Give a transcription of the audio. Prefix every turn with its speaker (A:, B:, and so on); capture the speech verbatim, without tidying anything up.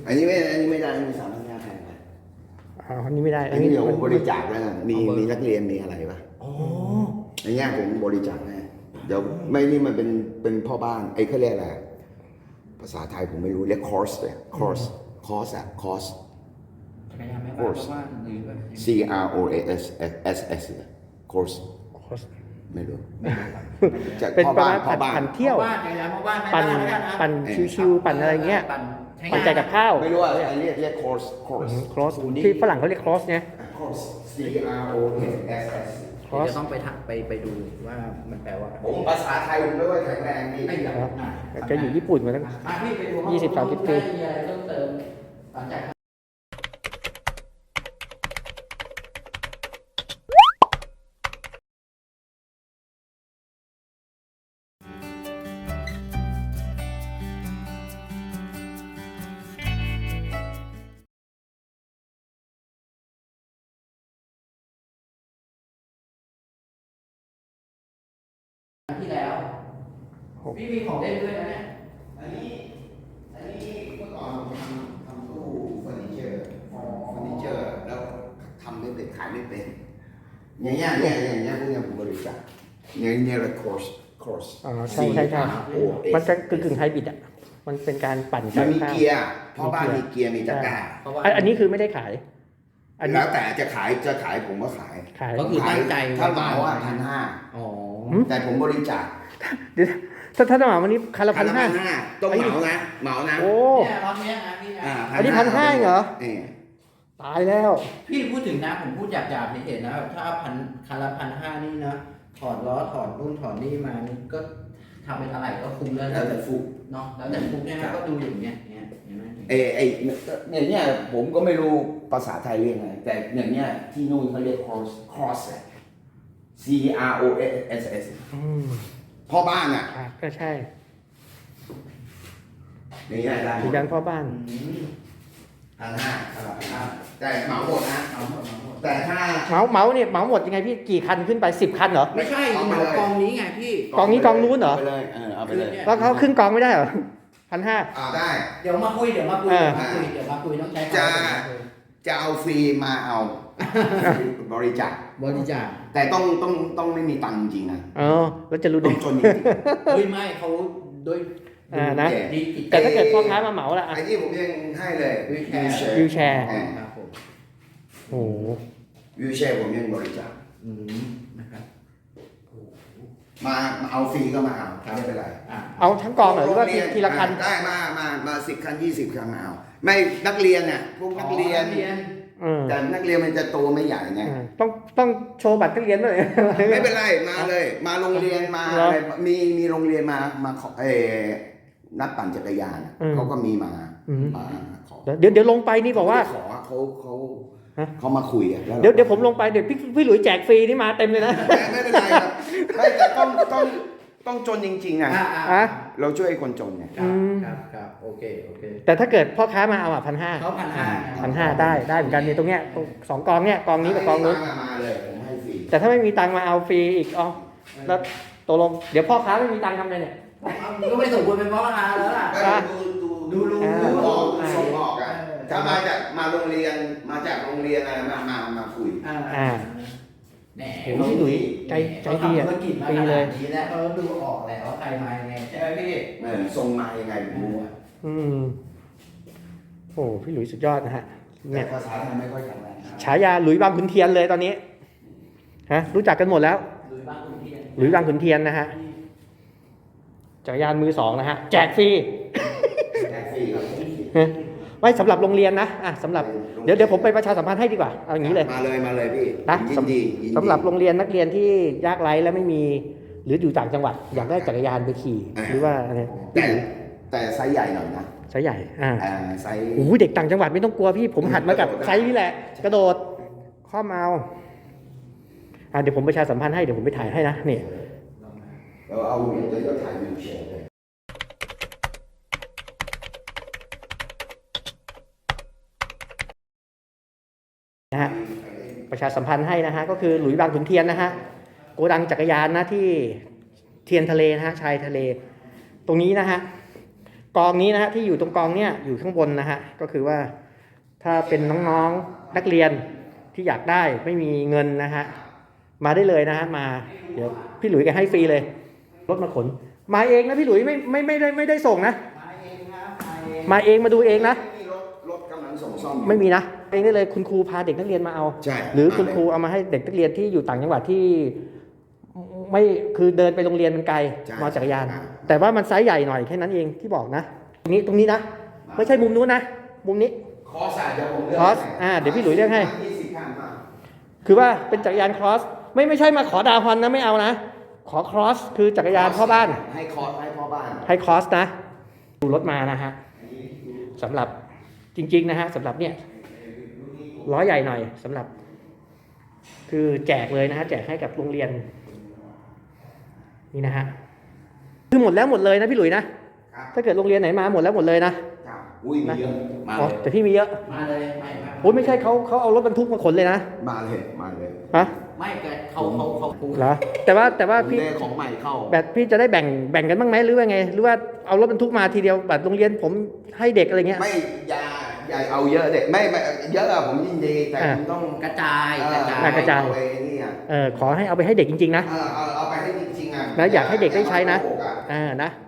A: อันนี้ไม่อันนี้ไม่ได้อันนี้สามพันห้าแพงไป
B: อ๋ออันนี้ไม่ได้
A: อันนี้เดี๋ยวผมบริจาคแล้วกันมีมีนักเรียนมีอะไรปะ
B: อ๋อ
A: ในแง่ผมบริจาคให้เดี๋ยวไม่นี่มันเป็นเป็นพ่อบ้านไอ้เขาเรียกอะไรภาษาไทยผมไม่รู้เรียกคอร์สเลยคอร์สคอร์สอะคอร์ส
C: จักรยานแม่บ้านเพราะว่าหรือว่า
A: C R O S S S คอร์สไม่รู้จาก
B: เป็น
A: พ่อ
B: ประ
A: บ้า
B: มาน ณ
A: พ่อบ้าน
B: ปั่นเที่ยว
C: บ้านจักรยานพ่อบ้าน
B: ปั่น
C: แม่บ้แล้วกัะ
B: ปั่นชิวๆปั่นอะไรเงี้ย
C: ปั่นใช้ง
B: ปั่นใจกับข้าว
A: ไม่รู้ว่าอันนี้เรียกคอร์สคอร์ส
B: ครอสที่ฝรั่งเขาเรียกครอสเนี่ย
A: คอร์ส C R O S S
B: ครอส
C: เดี๋ยวจะต้องไปทักไปไปดูว่ามันแปลว่าอะไร
A: ผมภาษาไทยผมไม่ค่อยแข็งแรงนี่
C: ไอ้เหรออ่ะ
B: แกอยู่ญี่ปุ่นมาตั้ง
C: อ่ะพี่ไปดู
B: ยี่สิบสามสิบปี
C: ได้มีอะไรเพิ่มเติมหลังจากที่แล้วพี่มีของเล่นด้วยนะเนี่ย
A: อันนี้อันนี้เมื่อก่อนผมทำทำตู้เฟอร์นิเจอร์เฟอร์นิเจอร์แล้วทำไม่เป็นขายไม่เป็นอย่างเงี้ยเนี่ยอย่างเงี้ยพวกเนี้ยผมบริจาคอย่างเงี้ยเรียกคอร์สคอร์ส
B: อ๋อใช่ใช่ใช่
A: โอเอ
B: มันจะกึ่งกึ่งไฮบริดอ่ะมันเป็นการปั่น
A: มันมี
B: ข้าว
A: เกียร์เพราะบ้านมีเกียร์มีตะกร้า
C: เพราะว่า
B: อันอันนี้คือไม่ได้ขาย อันนี้
A: แล้วแต่จะขายจะขายผมก็ขาย
B: ขาย
C: ก็คือตั้งใจ
A: ถ้าเหมาอ่ะพันห้า
C: อ๋อ
A: แต่ผมบริจาค
B: เดี๋ยวถ้าถ้าจะเหมาวันนี้คันละพันห้า
A: ต้องเหมานะเหมานะ
B: โอ้
C: เนี่ยรอบเนี้ยนะพี่นะ
A: า
B: อันนี้พันห้าเหรอ
A: นี่
B: ตายแล้ว
C: พี่พูดถึงนะผมพูดหยาบๆเห็นๆนะถ้าพันคันละพันห้านี่นะถอดล้อถอดรุ่นถอดนี่มานี่ก็ทำเป็นอะไรก็คุ้มแล้ว
A: แล้วแต่ฟุก
C: เนาะแล้วแต่ฟุกเนี่ยนะก็ดูอย่างเงี้ยเนี่ยเห็นไหม
A: เอไอเนี่ยเนี่ยผมก็ไม่รู้ภาษาไทยเรียกไงแต่อย่างเนี้ยที่นู่นเขาเรียก cross cross อะ C R O S S
B: อืม
A: พ่อบ้านอ่ะ
B: อ่ะก็ใช่
A: อย่างเงี้ยได้
B: สีดันพ่อบ้าน
C: อืม
A: พันห้าพันห้าแต่เหมาหมดนะ
C: เอาหมดเอาหมด
A: แต่ถ้า
B: เหมาเหมาเนี่ยเหมาหมดยังไงพี่กี่คันขึ้นไปสิบคันเหรอ
C: ไม่ใช่
A: เอาไป
C: เหมา
A: เลย
C: กองนี้ไงพี่
B: กองนี้กองนู้นเหรอ
A: าไปเลยเออเอาไปเลย
B: แล้วเขาขึ้นกองไม่ได้เหรอพันห้า
A: อ่าได้
C: เดี๋ยวมาคุยเดี๋ยวมาคุย
B: เออ
C: เดี๋ยวมาคุยเดี๋ยวมาคุยต้องใช้
A: จะ
C: คำว่า
A: จะเอาฟรีมาเอา บริจาค
C: บริจาค
A: แต่ต้องต้องต้องไม่มีตังค์จริงๆนะ
B: อ๋อแล้วจะรู้
A: ต้
B: ได้
A: องจนจริง
C: เฮ้ยไม่เขาด้วย
B: อ่านะ
C: ดีจิต
B: แต่ถ้าเกิดพ่อค้ามาเหมาล่ะ
A: ๆ
B: อ่ะ
A: ไอ้ที่ผมยังให้เลย
C: วิวแชร์
B: วิวแชร์
C: ครับผม
B: โอ้โห
A: วิวแชร์ผมยังบริจาค
C: อืมนะครับ
A: มามาเอาฟรีก็มาเอาไม่เป็นไร
C: อ่ะ
B: เอาทั้งกองเหรอหรือว่าทีทีละคัน
A: ได้มามามาสิบคันยี่สิบคันมาเอาไม่นักเรียนเนี่ยพวกนักเรียน
B: เออ
A: แต่นักเรียนมันจะโตไม่ใหญ่ไง
B: อ่าต้องต้องโชว์บัตรนักเรียนด้วย
A: ไม่เป็นไรมาเลย มาโรงเรียนมา
B: เหรอ
A: อะไรมีมีโรงเรียนมามาขอเออนักปั่นจักรยาน
B: อืม
A: เขาก็มีมา
B: อืม
A: มาขอ
B: เดี๋ยวเดี๋ยวลงไปนี่บอกว่า
A: ขอเขาเขา
B: ฮะ
A: เขามาคุยอะแล้ว
B: เดี๋ยวเดี๋ยวผมลงไปเดี๋ยวพี่พี่หลุยแจกฟรีนี่มาเต็มเลยนะ
A: ไม่ไม่เป็นไรครับไม่แต่ต้องต้องต้องจนจริงๆนะ
C: อ่ะอ่ะ
B: อ่ะ
A: เราช่วยคนจนไง
C: ครับ
B: อืม
C: ครับครับโอเคโอเค
B: แต่ถ้าเกิดพ่อค้ามาเอาอ่ะพันห้า
C: เขาพันห้า
B: พันห้าได้ได้เหมือนกันในตรงเนี้ยตรงสองกองเนี้ยกองนี้กับกองนู้น
A: มามาเลยผมให้ฟรี
B: แต่ถ้าไม่มีตังค์มาเอาฟรีอีกอ๋อแล้วตกลงเดี๋ยวพ่อค้าไม่มีตังค์ทำไงเนี่ย
C: ก็ไม่สมควรเป็นพ่อค้าแล้วล่ะ
A: ก็
B: อ่ะ
A: ดูดู
C: ดูดู
B: อ่า
A: ดูออก
C: อ่า
A: ส่งออกอ่ะ
C: เออ
A: ถ้ามาจากมาโรงเรียนมาจากโรงเรียนอะไรมามามาคุย
C: อ่า
B: อ่า
C: แหน
B: โอ้โหพี่หลุยใจใจดีอ่ะ
C: เขาทำธุรกิจมา
B: ฟรี
C: ข
B: เล
C: นาย ดนี้แล้วเขาดูออกแล้วว่าใครมายังไงใช่ไหมพี่
A: เออส่งมายังไงผมรู้อะ
B: อืมโอ้พี่หลุยสุดยอดนะฮะ
A: แต่
B: เนี่ย
A: ภาษาไทยไม่ค่อยแข็งแรงครับ
B: ฉายาหลุยบางขุนเทียนเลยตอนนี้ฮะรู้จักกันหมดแล้ว
C: หรือบ้านคุณเทียน
B: หลุยบางขุนเทียนนะฮะจักรยานมือสองนะฮะแจกฟรี
A: แจกฟรีครับ
B: ฮะไว้สำหรับโรงเรียนนะอ่ะสำหรับเดี๋ยวเดี๋ยวผมไปประชาสัมพันธ์ให้ดีกว่าเอาอย่างนี้เลย
A: มาเลยมาเลยพี่
B: นะ
A: ยินดียินดี
B: สำหรับโรงเรียนนักเรียนที่ยากไร้และไม่มี หรืออยู่ต่างจังหวัด อยากได้จักรยานไปขี่ หรือว่าอะไร
A: แต่แต่ไซส์ใหญ่หน่อยนะ
B: ไซส์ใหญ่อ่า
A: อ่าไซส์
B: โอ้โหเด็กต่างจังหวัดไม่ต้องกลัวพี่ผมหัดมากับไซส์นี่แหละ กระโดดข้อมเอาอ่ะเดี๋ยวผมประชาสัมพันธ์ให้เดี๋ยวผมไปถ่ายให้นะนี่
A: เราเอาเดี๋ยวเราถ่ายวิวแชร์เลย
B: นะฮะประชาสัมพันธ์ให้นะฮะก็คือหลุยส์บางขุนเทียนนะฮะโกดังจักรยานนะที่เทียนทะเลนะฮะชายทะเล ตรงนี้นะฮะกองนี้นะฮะที่อยู่ตรงกองเนี้ยอยู่ข้างบนนะฮะก็คือว่าถ้าเป็นน้องๆนักเรียนที่อยากได้ไม่มีเงินนะฮะมาได้เลยนะฮะมาเดี๋ยวพี่หลุยแกให้ฟรีเลยรถมาขนมาเองนะพี่หลุยไม่ไม่ไม่ได้ไม่ได้ส่งนะ
C: มาเองครับมาเอง
B: มาเองมาดูเองนะ
A: มีรถรถกำลังส่งซ่อมอยู่
B: ไม่มีนะเองได้เลยคุณครูพาเด็กนักเรียนมาเอา
A: ใช่
B: หรือคุณครูเอามาให้เด็กนักเรียนที่อยู่ต่างจังหวัดที่ไม่คือเดินไปโรงเรียนมันไกล
A: ใช่
B: มาจักรยาน
A: ใช่
B: แต่ว่ามันไซส์ใหญ่หน่อยแค่นั้นเองที่บอกนะ ตรงนี้ตรงนี้นะ ไม่ใช่มุมนู้นนะ มุมนี้
A: คอร์สอะเดี๋ยวผมเลือก
B: คอร์สอ่าเดี๋ยวพี่หลุยเลือกให้
A: ยี่สิบข้างมา
B: คือว่าเป็นจักรยานครอสไม่ไม่ใช่มาขอดาวฮอนนะไม่เอานะ ขอครอสคือจักรยานพ่อบ้าน
A: ให้คอร์สให้พ่อบ้าน
B: ให้ครอสนะดูรถมานะฮะสำหรับจริงๆนะฮะสำหรับเนี่ยล้อใหญ่หน่อยสำหรับ คือแจกเลยนะฮะแจกให้กับโรงเรียนนี่นะฮะคือหมดแล้วหมดเลยนะพี่หลุยนะครับ ถ้าเกิดโรงเรียนไหนมาหมดแล้วหมดเลยนะครับ
A: อุ้ยมีเยอะมา
B: อ๋อ
A: เลย
B: แต่พี่มีเยอะ
C: มาเลยไม่ไม่
B: โอ้ยไม่ใช่เขาเขาเอารถบรรทุกมาขนเลยนะ
A: มาเลยมาเลย
B: ฮะ
C: ไม่แกเขาเขาเขาพูด
B: เหรอแต่ว่าแต่ว่า
A: ผม
B: พี่
A: ได้ของใหม่เข้า
B: แบบพี่จะได้แบ่งแบ่งกันบ้างไหมหรือว่าไง หรือว่าเอารถบรรทุกมาทีเดียวแบบโรงเรียนผมให้เด็กอะไรเงี้ย
A: ไม่อยาอย่าเอาเยอะเด็กไม่ไม่เยอะอะผมยินดีแต่
B: อ่า
A: คุณต้อง
C: กระจาย
A: เอ่อก
C: ระจาย
B: อ่ากระจาย
A: เอไปนี่อะ
B: เออขอให้เอาไปให้เด็กจริงๆนะ
A: เออเอาเอาไปให้จริงๆอะ
B: นะอยากให้เด็กได้ใช้นะ
A: อย่ามาโกหกอ
B: อ่านะ